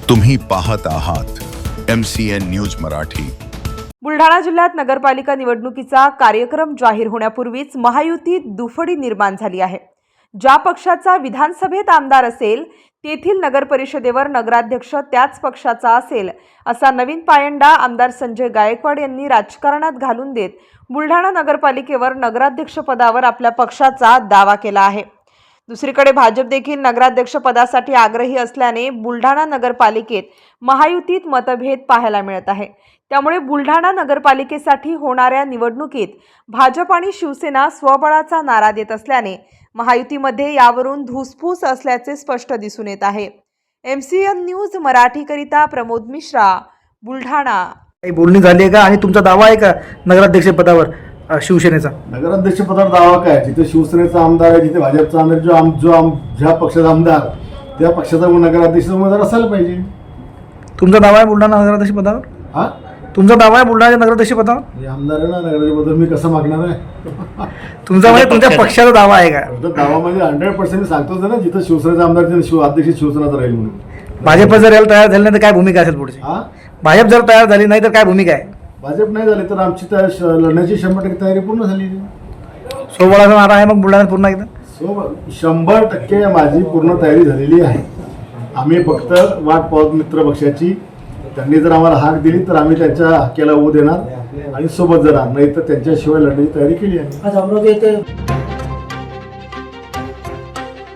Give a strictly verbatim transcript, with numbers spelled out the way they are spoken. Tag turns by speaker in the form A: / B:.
A: तुम्ही पाहत आहात M C N news Marathi.
B: Buldhana जिल्ह्यात नगरपालिका निवडणुकीचा कार्यक्रम जाहीर होण्यापूर्वीच महायुतीत दुफडी निर्माण झाली आहे। ज्या पक्षाचा विधानसभेत आमदार असेल तेथील नगरपरिषदेवर नगराध्यक्ष त्याच पक्षाचा असेल असा नवीन पायंडा आमदार संजय गायकवाड यांनी राजकारणात घालून देत बुलढाणा नगरपालिकेवर नगराध्यक्ष पदावर आपल्या पक्षाचा दावा केला आहे। दुसरीकडे भाजप देखील नगराध्यक्ष पदासाठी आग्रही असल्याने बुलढाणा नगरपालिकेत महायुतीत मतभेद पाहायला मिळत आहे। त्यामुळे बुलढाणा नगरपालिकेसाठी होणाऱ्या निवडणुकीत भाजप आणि शिवसेना स्वबळाचा नारा देत असल्याने महायुतीमध्ये यावरून धुसफूस असल्याचे स्पष्ट दिसून येत आहे। M C N news Marathi करिता प्रमोद मिश्रा, बुलढाणा।
C: काही बोलणी झाली आहे का आणि तुमचा दावा आहे का नगराध्यक्ष पदावर शिवसेनेचा?
D: नगराध्यक्ष पदावर दावा काय? जिथे शिवसेनेचा आमदार आहे, जिथे भाजपचा आमदार, जो आम जो आम ज्या पक्षाचा आमदार त्या पक्षाचा नगराध्यक्ष उमेदवार असायला पाहिजे।
C: तुमचा दावा आहे बुलढाणा नगराध्यक्ष पदावर?
D: हा,
C: तुमचा दावा आहे बुलढाणा नगराध्यक्ष पदावर?
D: मी आमदार आहे ना, नगराध्यक्ष पदावर मी कसं मागणार आहे?
C: तुमचा म्हणजे तुमच्या पक्षाचा दावा आहे का?
D: दावा म्हणजे हंड्रेड पर्सेंट मी सांगतोच ना, जिथं शिवसेनेचा आमदार तिथे शिव अध्यक्ष शिवसेनाचा राहील म्हणून।
C: भाजप जर यायला तयार झाली नाही तर काय भूमिका असेल पुढची?
D: हा,
C: भाजप जर तयार झाली नाही तर काय भूमिका आहे?
D: भाजप नाही झाले तर आमची त्या लढण्याची शंभर टक्के तयारी पूर्ण झाली।
C: सोबळाचा नारा आहे मग बुलढाण्यात पुन्हा एकदा?
D: सो शंभर टक्के माझी पूर्ण तयारी झालेली आहे। आम्ही फक्त वाट पाहत मित्र पक्षाची, त्यांनी जर आम्हाला हाक दिली तर आम्ही त्यांच्या हाकेला ऊ देणार आणि सोबत जाणार, नाही तर त्यांच्याशिवाय लढण्याची तयारी केली आहे।